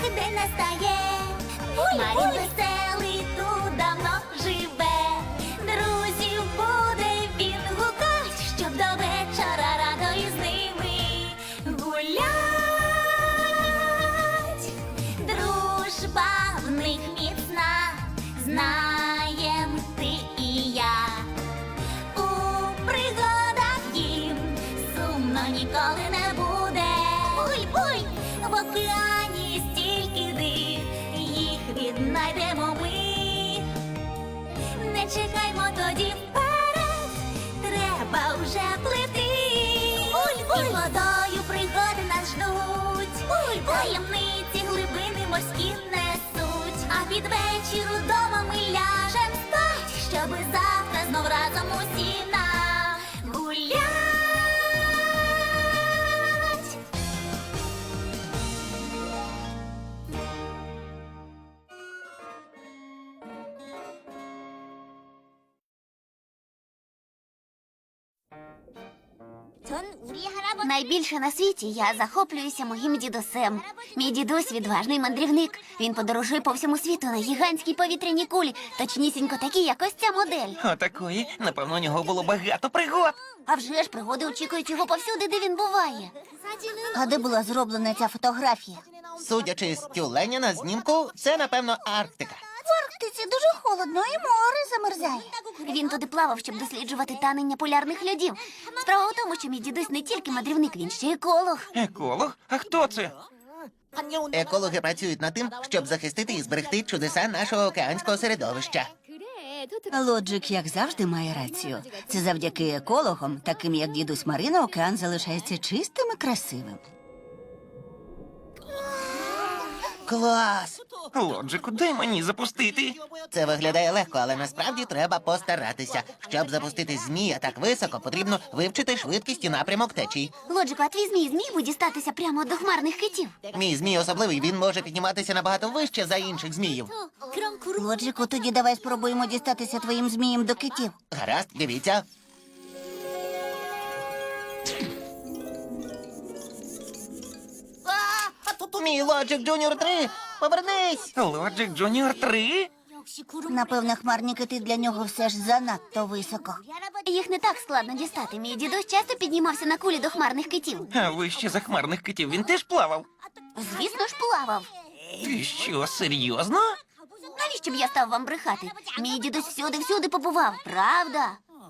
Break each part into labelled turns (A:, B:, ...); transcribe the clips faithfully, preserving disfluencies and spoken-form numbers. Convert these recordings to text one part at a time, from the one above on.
A: день настає. Марін веселий тут давно живе. Друзів буде він гукать, щоб до вечора радо із ними гулять. Дружба в них міцна, знаєм ти і я. У пригадах їм сумно ніколи не буде. Буй-буй! В океані стільки див, їх віднайдемо ми. Не чекаймо тоді вперед, треба вже плити. Буль-буль! І водою пригоди нас ждуть. Буль-буль! Таємниці глибини морські несуть. А під вечір удома ми ляжем спать, щоби завтра знов разом усі нагулять. Найбільше на світі я захоплююся моїм дідусем. Мій дідусь відважний мандрівник. Він подорожує по всьому світу на гігантській повітряній кулі, точнісінько такі, як ось ця модель.
B: Отакої. Напевно, у нього було багато пригод.
A: А вже ж пригоди очікують його повсюди, де він буває.
C: А де була зроблена ця фотографія?
D: Судячи з тюленя на знімку, це, напевно, Арктика.
C: В Арктиці дуже холодно і море замерзає.
A: Він туди плавав, щоб досліджувати танення полярних льодів. Справа в тому, що мій дідусь не тільки мандрівник, він ще й еколог.
B: Еколог? А хто це?
D: Екологи працюють над тим, щоб захистити і зберегти чудеса нашого океанського середовища.
C: Лоджик, як завжди, має рацію. Це завдяки екологам, таким як дідусь Марина, океан залишається чистим і красивим.
D: Клас!
B: Лоджику, дай мені запустити.
D: Це виглядає легко, але насправді треба постаратися. Щоб запустити змія так високо, потрібно вивчити швидкість і напрямок течій.
A: Лоджику, а твій змій зміг би дістатися прямо до хмарних китів?
D: Мій змій особливий, він може підніматися набагато вище за інших зміїв.
C: Лоджику, тоді давай спробуємо дістатися твоїм змієм до китів.
D: Гаразд, дивіться. Мій Лоджик Джуніор три! Повернись!
B: Лоджик Джуніор три?
C: Напевно, хмарні кити для нього все ж занадто високо.
A: Їх не так складно дістати. Мій дідусь часто піднімався на кулі до хмарних китів.
B: А вище за хмарних китів він теж плавав?
A: Звісно ж, плавав.
B: Ти що, серйозно?
A: Навіщо б я став вам брехати? Мій дідусь всюди-всюди побував, правда?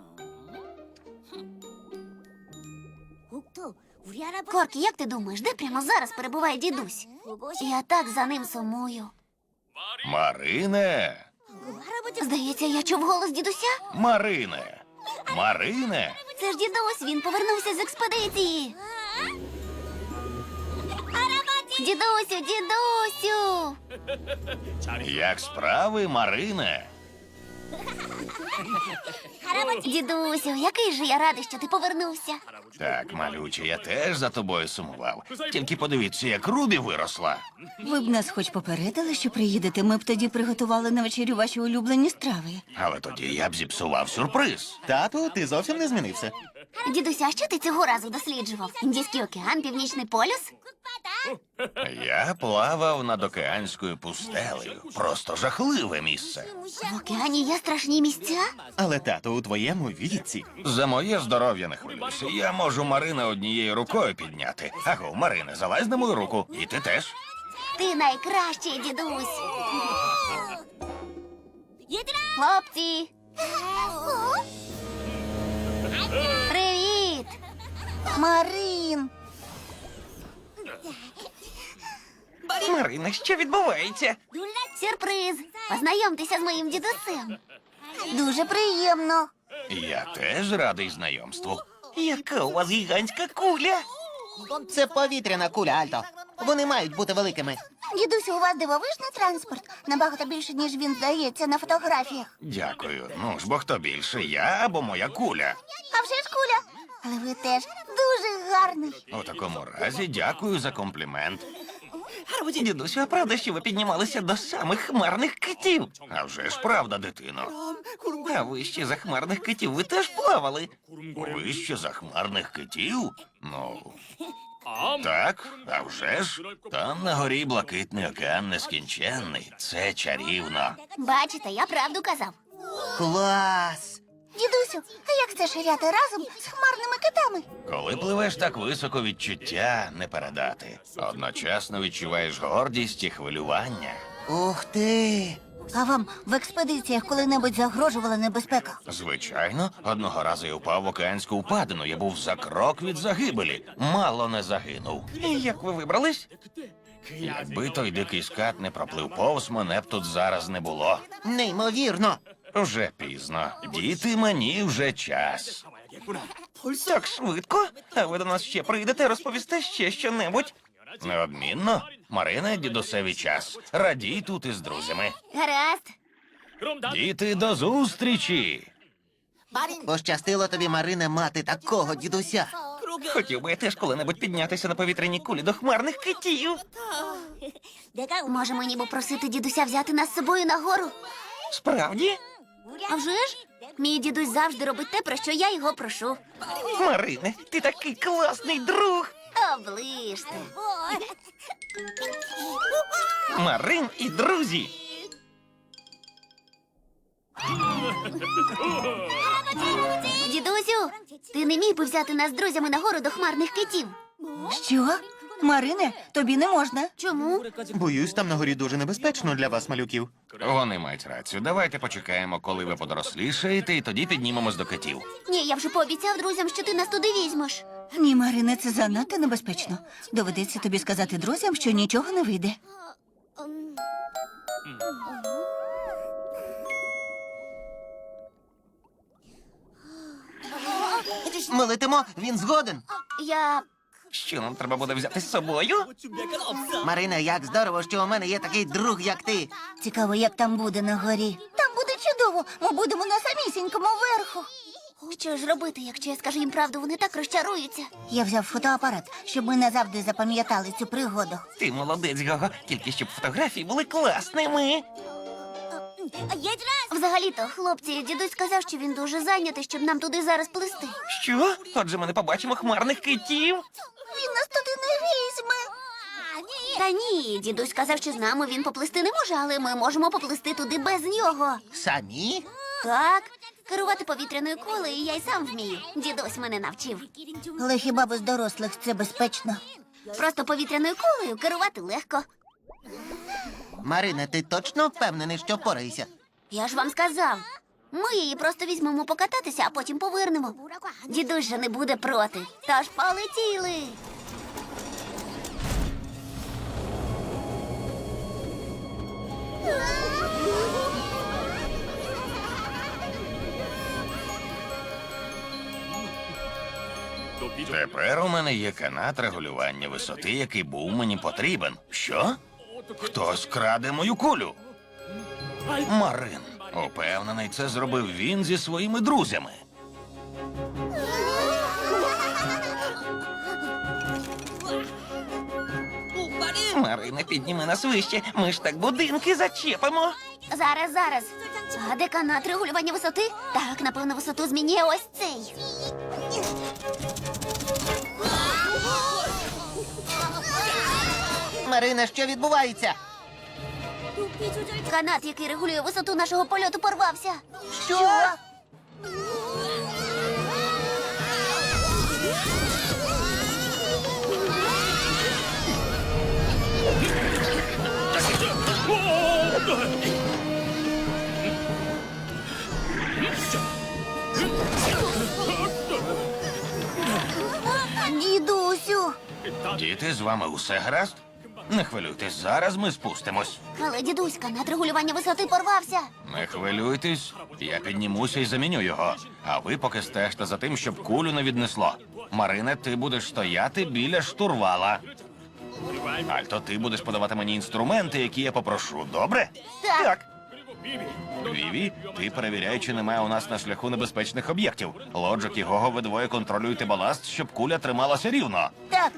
A: Коркі, як ти думаєш, де прямо зараз перебуває дідусь? Я так за ним сумую.
E: Марине,
A: Здається, я чув голос дідуся.
E: Марине, Марине,
A: Це ж дідусь, він повернувся з експедиції. Дідусю, дідусю!
E: як справи, Марине?
A: Дідусю, який же я радий, що ти повернувся.
E: Так, малюче, я теж за тобою сумував. Тільки подивіться, як Рубі виросла.
C: Ви б нас хоч попередили, що приїдете, ми б тоді приготували на вечерю ваші улюблені страви.
E: Але тоді я б зіпсував сюрприз.
D: Тату, ти зовсім не змінився.
A: Дідуся, а що ти цього разу досліджував? Індійський океан, Північний полюс?
E: Я плавав над океанською пустелею. Просто жахливе місце.
A: В океані є страшні місця?
D: Але, тату, у твоєму віці.
E: За моє здоров'я не хвилюйся. Я можу Марина однією рукою підняти. Аго, Марине, залазь на мою руку. І ти теж.
A: Ти найкращий, дідусь. Хлопці! Привіт!
C: Марин!
B: Марина, що відбувається?
A: Сюрприз! Познайомтеся з моїм дідусем.
C: Дуже приємно.
E: Я теж радий знайомству.
B: Яка у вас гігантська куля?
D: Це повітряна куля, Альто. Вони мають бути великими.
C: Дідусю, у вас дивовижний транспорт. Набагато більше, ніж він здається на фотографіях.
E: Дякую. Ну ж, бо хто більше, я або моя куля?
C: А вже ж куля. Але ви теж дуже гарний.
E: У такому разі дякую за комплімент.
B: Дідусю, а правда, що ви піднімалися до самих хмарних китів?
E: А вже ж правда, дитино.
B: А вище за хмарних китів ви теж плавали?
E: Вище захмарних китів? Ну, Так, а вже ж. Там на горі блакитний океан нескінченний. Це чарівно.
A: Бачите, я правду казав.
D: Клас!
A: Дідусю, а як це ширяти разом з хмарними китами?
E: Коли пливеш так високо, відчуття не передати. Одночасно відчуваєш гордість і хвилювання.
D: Ух ти!
C: А вам в експедиціях коли-небудь загрожувала небезпека?
E: Звичайно, одного разу я впав в океанську впадину. Я був за крок від загибелі. Мало не загинув.
B: І як ви вибрались?
E: Якби той дикий скат не проплив повз, мене б тут зараз не було.
D: Неймовірно!
E: Вже пізно. Діти, мені вже час.
B: Так швидко? А ви до нас ще прийдете, розповісте ще щонебудь?
E: Неодмінно. Марина, дідусеві час. Радій тут із друзями.
A: Гаразд.
E: Діти, до зустрічі!
D: Пощастило тобі, Марине, мати такого дідуся.
B: Хотів би я теж коли-небудь піднятися на повітряній кулі до хмарних китів.
A: Може, мені попросити дідуся взяти нас з собою на гору?
B: Справді?
A: А вже ж? Мій дідусь завжди робить те, про що я його прошу.
B: Марине, ти такий класний друг.
A: Оближте.
B: Марин і друзі.
A: Дідусю, ти не міг би взяти нас з друзями на гору до хмарних китів?
C: Що? Марине, тобі не можна.
A: Чому?
D: Боюсь, там на горі дуже небезпечно для вас, малюків.
E: Вони мають рацію. Давайте почекаємо, коли ви подорослішаєте, і тоді піднімемось до китів.
A: Ні, я вже пообіцяв друзям, що ти нас туди візьмеш.
C: Ні, Марине, це занадто небезпечно. Доведеться тобі сказати друзям, що нічого не вийде.
D: Ми летимо, він згоден.
A: Я.
B: Що нам треба буде взяти з собою?
D: Марине, як здорово, що у мене є такий друг, як ти.
C: Цікаво, як там буде на горі. Там буде чудово. Ми будемо на самісінькому верху.
A: Що ж робити, якщо я скажу їм правду, вони так розчаруються.
C: Я взяв фотоапарат, щоб ми назавжди запам'ятали цю пригоду.
B: Ти молодець, Гого, тільки щоб фотографії були класними.
A: Взагалі-то, хлопці, дідусь сказав, що він дуже зайнятий, щоб нам туди зараз плисти.
B: Що? Отже, ми не побачимо хмарних китів.
A: Він нас туди не візьме. Та ні, дідусь сказав, що з нами він поплисти не може, але ми можемо поплисти туди без нього.
D: Самі?
A: Так, керувати повітряною кулею я й сам вмію. Дідусь мене навчив.
C: Але хіба без дорослих це безпечно?
A: Просто повітряною кулею керувати легко.
D: Марине, ти точно впевнений, що впораєшся?
A: Я ж вам сказав. Ми її просто візьмемо покататися, а потім повернемо. Дідусь же не буде проти. Тож полетіли.
E: Тепер у мене є канат регулювання висоти, який був мені потрібен. Що? Хтось краде мою кулю. Марин. Упевнений, це зробив він зі своїми друзями.
B: Марине, підніми нас вище. Ми ж так будинки зачепимо.
A: Зараз, зараз. А де канат регулювання висоти? Так, напевно, висоту змінює ось цей.
D: Марине, що відбувається?
A: Канат, який регулює висоту нашого польоту, порвався.
D: Що?
A: Дідусю.
E: Діти, з вами усе гаразд? Не хвилюйтесь, зараз ми спустимось.
A: Але, дідусь, канат регулювання висоти порвався.
E: Не хвилюйтесь, я піднімуся і заміню його. А ви поки стежте за тим, щоб кулю не віднесло. Марине, ти будеш стояти біля штурвала. Альто, ти будеш подавати мені інструменти, які я попрошу, добре?
A: Так.
B: Так.
E: Віві, ти перевіряй, чи немає у нас на шляху небезпечних об'єктів. Лоджик і Гого, ви двоє контролюйте баласт, щоб куля трималася рівно.
A: Так.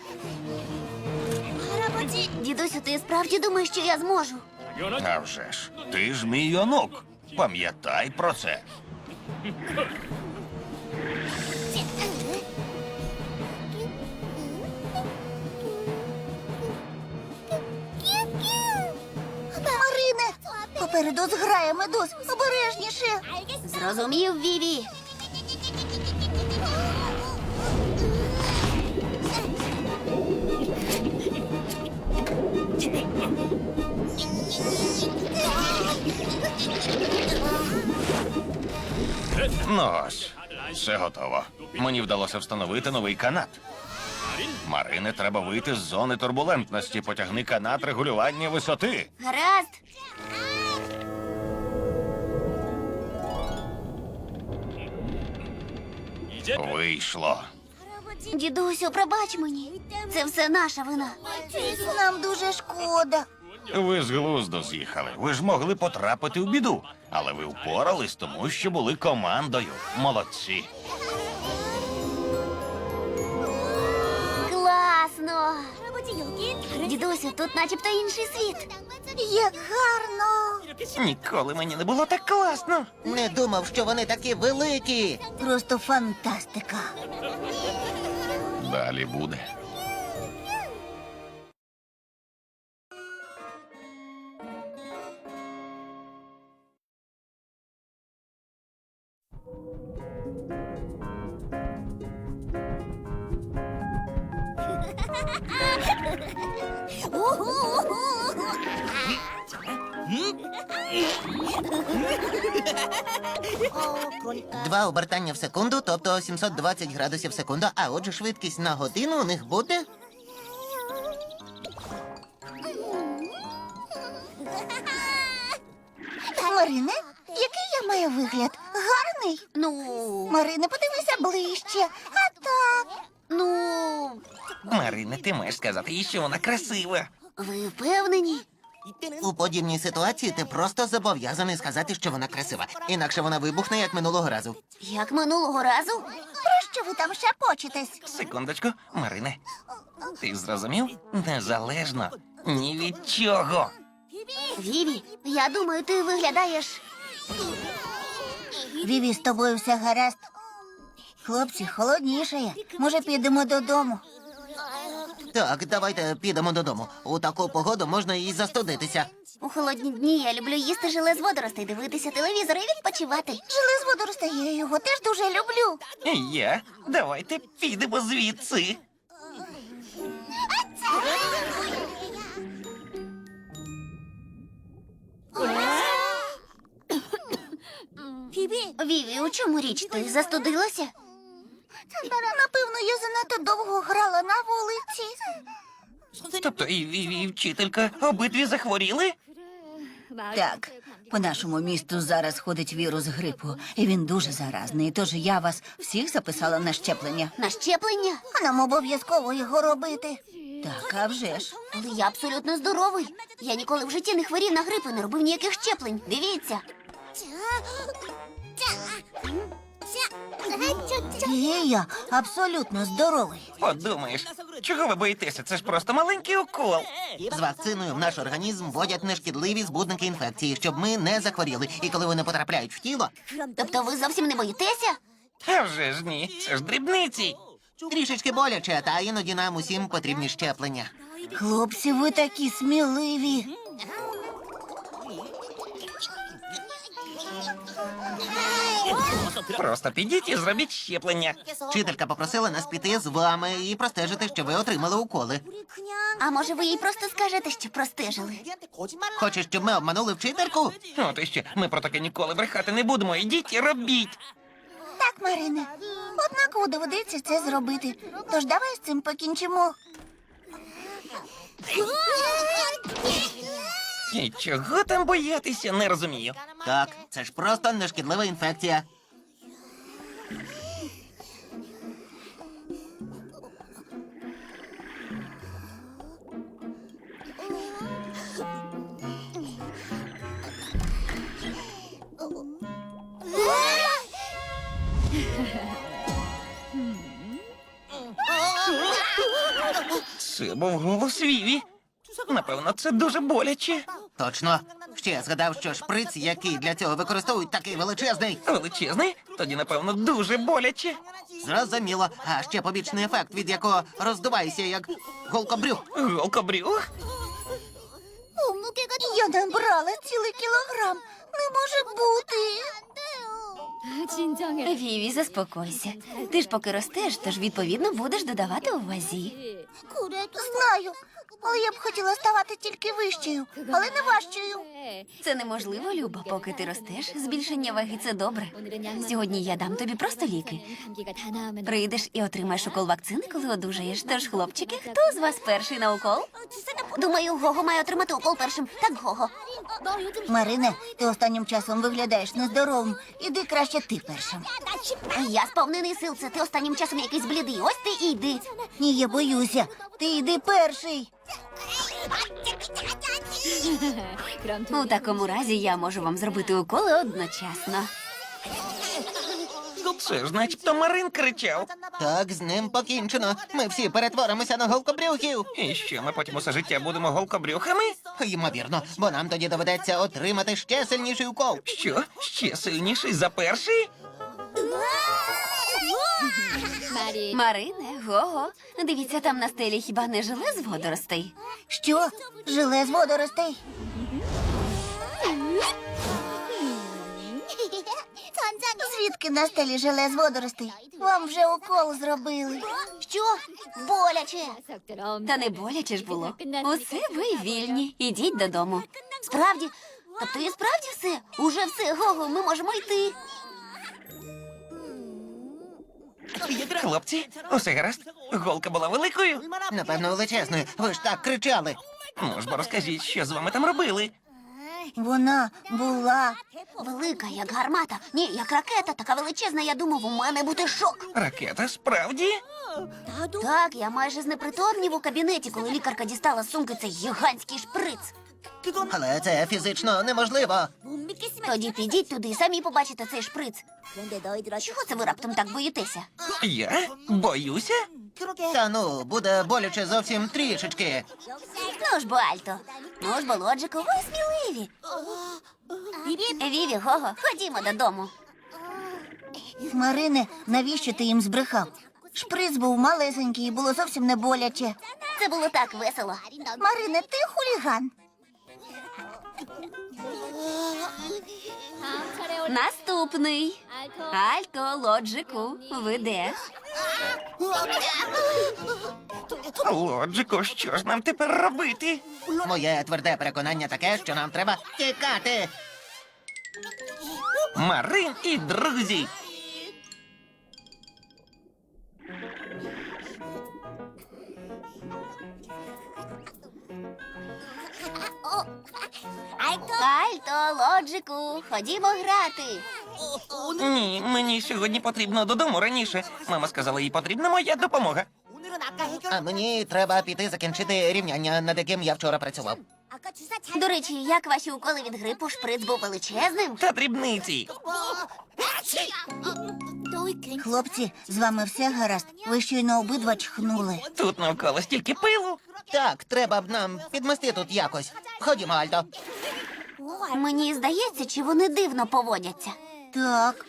A: Дідусю, ти справді думаєш, що я зможу?
E: А вже ж, ти ж мій онук. Пам'ятай про це.
C: Попереду зграє медуз. Обережніше.
A: Зрозумів, Віві.
E: Ну ось, все готово. Мені вдалося встановити новий канат. Марине, треба вийти з зони турбулентності. Потягни канат регулювання висоти.
A: Гаразд.
E: Вийшло.
A: Дідусю, пробач мені. Це все наша вина.
C: Нам дуже шкода.
E: Ви з глузду з'їхали. Ви ж могли потрапити в біду. Але ви впорались, тому що були командою. Молодці.
A: Класно. Дідусю, тут начебто інший світ.
C: Як гарно.
B: Ніколи мені не було так класно.
D: Не думав, що вони такі великі.
C: Просто фантастика.
E: Далі буде.
D: Два обертання в секунду, тобто сімсот двадцять градусів в секунду, а отже швидкість на годину у них буде...
C: Марине, який я маю вигляд? Гарний?
A: Ну,
C: Марине, подивися ближче. А так.
A: ну,
B: Марине, ти маєш сказати їй, що вона красива.
A: ви впевнені?
D: У подібній ситуації ти просто зобов'язаний сказати, що вона красива. Інакше вона вибухне, як минулого разу.
A: Як минулого разу?
C: Про що ви там шепочетесь?
B: Секундочку, Марине. Ти зрозумів? Незалежно. Ні від чого.
A: Віві, я думаю, ти виглядаєш.
C: Віві, з тобою все гаразд. Хлопці, холоднішає. Може, підемо додому?
D: Так, давайте підемо додому. У таку погоду можна і застудитися.
A: У холодні дні я люблю їсти желе з водоростей, дивитися телевізор і відпочивати.
C: Жили з водоростей, я його теж дуже люблю.
B: І я. Давайте підемо звідси.
A: Віві, у чому річ? Ти застудилася?
C: Напевно, я занадто довго грала на вулиці.
B: Тобто і, і, і вчителька обидві захворіли?
C: Так, по нашому місту зараз ходить вірус грипу, і він дуже заразний. Тож я вас всіх записала на щеплення.
A: На щеплення?
C: А нам обов'язково його робити. Так, а вже ж.
A: Але я абсолютно здоровий. Я ніколи в житті не хворів на грип і не робив ніяких щеплень. Дивіться.
C: І я абсолютно здоровий.
B: Подумаєш, чого ви боїтеся? Це ж просто маленький укол.
D: З вакциною в наш організм вводять нешкідливі збудники інфекції, щоб ми не захворіли. І коли вони потрапляють в тіло,
A: Тобто ви зовсім не боїтеся?
B: А вже ж ні, це ж дрібниці.
D: трішечки боляче, та іноді нам усім потрібні щеплення.
C: Хлопці, ви такі сміливі.
B: Просто підіть і зробіть щеплення.
D: Вчителька попросила нас піти з вами і простежити, що ви отримали уколи.
A: А може ви їй просто скажете, що простежили?
D: Хочеш, щоб ми обманули вчительку?
B: От і ще, ми про таке ніколи брехати не будемо. Ідіть і робіть.
C: Так, Марине. Однаково доведеться це зробити. Тож давай з цим покінчимо.
B: І чого там боятися, не розумію.
D: Так, це ж просто нешкідлива інфекція.
B: Це був голос Віві. Напевно, це дуже боляче.
D: Точно. Ще я згадав, що шприц, який для цього використовують, такий величезний.
B: Величезний? Тоді, напевно, дуже боляче.
D: Зрозуміло. А ще побічний ефект, від якого роздуваєшся, як голкобрюх.
B: Голкобрюх?
C: Я набрала цілий кілограм. Не може бути.
A: Віві, заспокойся. Ти ж поки ростеш, тож відповідно будеш додавати у вазі.
C: Знаю, але я б хотіла ставати тільки вищою, але не важчою.
A: Це неможливо, Люба. Поки ти ростеш, збільшення ваги – це добре. Сьогодні я дам тобі просто ліки. Прийдеш і отримаєш укол вакцини, коли одужаєш. Тож, хлопчики, хто з вас перший на укол? Думаю, Гого має отримати укол першим. Так, Гого.
C: Марине, ти останнім часом виглядаєш нездоровим. Іди краще ти першим.
A: Я сповнений сил, це ти останнім часом якийсь блідий. Ось ти і йди.
C: Ні, я боюся. Ти йди перший.
A: У такому разі я можу вам зробити уколи одночасно.
B: Це ж начебто Марин кричав.
D: Так, з ним покінчено. Ми всі перетворимося на голкобрюхів.
B: І що, ми потім усе життя будемо голкобрюхами?
D: Ймовірно, бо нам тоді доведеться отримати ще сильніший укол.
B: Що? Ще сильніший за перший?
A: Марине, Гого, дивіться, там на стелі хіба не желе з водоростей?
C: Що? Желе з водоростей? Звідки на стелі желе з водоростей? Вам вже укол зробили.
A: Що? Боляче. Та не боляче ж було. Усе ви вільні. Ідіть додому. Справді? Тобто і справді все? Уже все, Гого, ми можемо йти.
B: Хлопці, усе гаразд? Голка була великою?
D: Напевно, величезною. Ви ж так кричали.
B: Ну ж бо розкажіть, що з вами там робили?
C: Вона була.
A: Велика, як гармата. Ні, як ракета, така величезна, я думав, у мене буде шок.
B: Ракета, справді?
A: Так, я майже знепритомнів у кабінеті, коли лікарка дістала з сумки цей гігантський шприц.
D: Але це фізично неможливо.
A: Тоді підіть туди і самі побачите цей шприц. Чого це ви раптом так боїтеся?
B: Я? Боюся?
D: Та ну, буде боляче зовсім трішечки.
A: Ну ж бо, Альто. Ну ж бо, Лоджику, ви сміливі. Віві, Гого, ходімо додому.
C: Марине, навіщо ти їм збрехав? Шприц був малесенький і було зовсім не боляче.
A: Це було так весело.
C: Марине, ти хуліган.
A: Наступний. Альто, Лоджику, ви де?
B: Лоджико, що ж нам тепер робити?
D: Моє тверде переконання таке, що нам треба тікати.
B: Марин і друзі.
A: Альто, Лоджику, ходімо грати.
B: Ні, мені сьогодні потрібно додому раніше. Мама сказала, їй потрібна моя допомога.
D: А мені треба піти закінчити рівняння, над яким я вчора працював.
A: До речі, як ваші уколи від грипу, шприц був величезним?
B: Та дрібниці.
C: Хлопці, з вами все гаразд? Ви щойно обидва чхнули.
B: Тут навколо стільки пилу.
D: Так, треба б нам підмести тут якось. Ходімо, Альто.
A: Мені здається, чи вони дивно поводяться.
C: Так.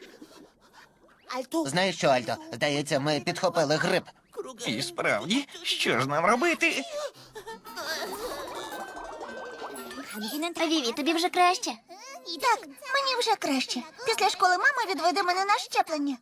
D: Знаєш що, Альто? Здається, ми підхопили грип.
B: І справді, що ж нам робити?
A: Віві, тобі вже краще?
C: Так, мені вже краще. Після школи мама відведе мене на щеплення.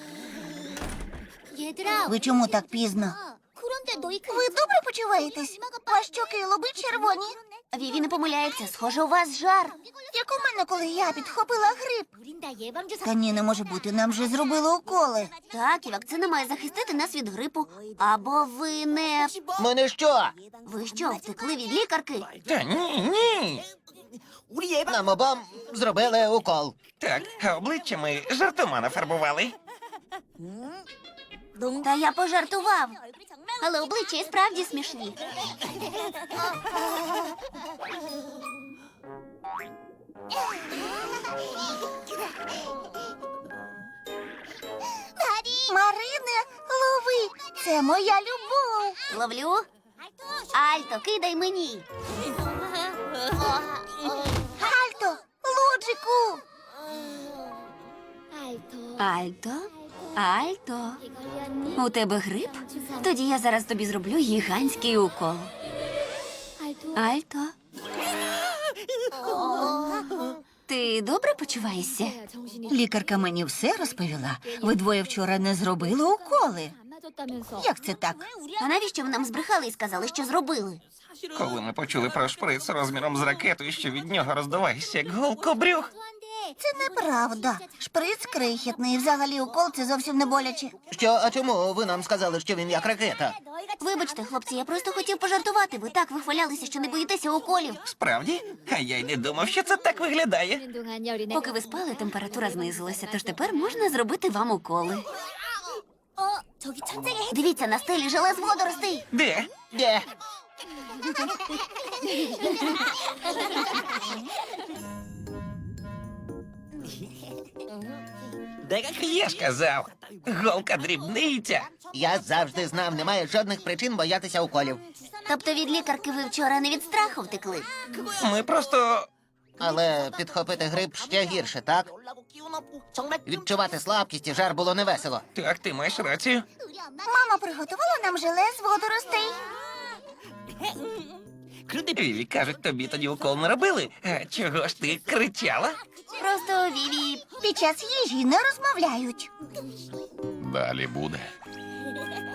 C: Ви чому так пізно? Ви добре почуваєтесь? Ваші щоки і лоби червоні.
A: Віві не помиляється, схоже, у вас жар.
C: Як у мене, коли я підхопила грип. Та ні, не може бути, нам вже зробили уколи.
A: Так, і вакцина має захистити нас від грипу. Або ви не...
D: Ми що?
A: Ви що, втекли від лікарки?
B: Та ні, ні.
D: Нам обом зробили укол.
B: Так, а обличчя ми жартома нафарбували.
A: Та я пожартував. Але обличчя і справді смішні.
C: Марине, лови, це моя любов.
A: Ловлю. Альто, кидай мені.
C: Альто, Лоджику.
A: Альто? Альто? У тебе грип? Тоді я зараз тобі зроблю гігантський укол. Альто? добре почуваєшся?
C: Лікарка мені все розповіла. Ви двоє вчора не зробили уколи. Як це так?
A: А навіщо ви нам збрехали і сказали, що зробили?
B: Коли ми почули про шприц розміром з ракетою, що від нього роздуваєшся, як голкобрюх.
C: Це неправда. Шприц крихітний, взагалі укол це зовсім не боляче.
D: Що, а чому ви нам сказали, що він як ракета?
A: Вибачте, хлопці, я просто хотів пожартувати. Ви так вихвалялися, що не боїтеся уколів.
B: Справді? А я й не думав, що це так виглядає.
A: Поки ви спали, температура знизилася, тож тепер можна зробити вам уколи. Дивіться, на стелі желе з водоростей.
B: Де?
D: Де?
B: Я ж казав, голка дрібниця.
D: Я завжди знав, немає жодних причин боятися уколів.
A: Тобто від лікарки ви вчора не від страху втекли?
B: Ми просто.
D: Але підхопити грип ще гірше, так? Відчувати слабкість і жар було невесело.
B: Так, ти маєш рацію.
C: Мама приготувала нам желе з водоростей.
B: Віві, кажуть, тобі тоді укол не робили. А чого ж ти кричала?
A: Просто Віві.
C: Під час їжі не розмовляють.
E: Далі буде.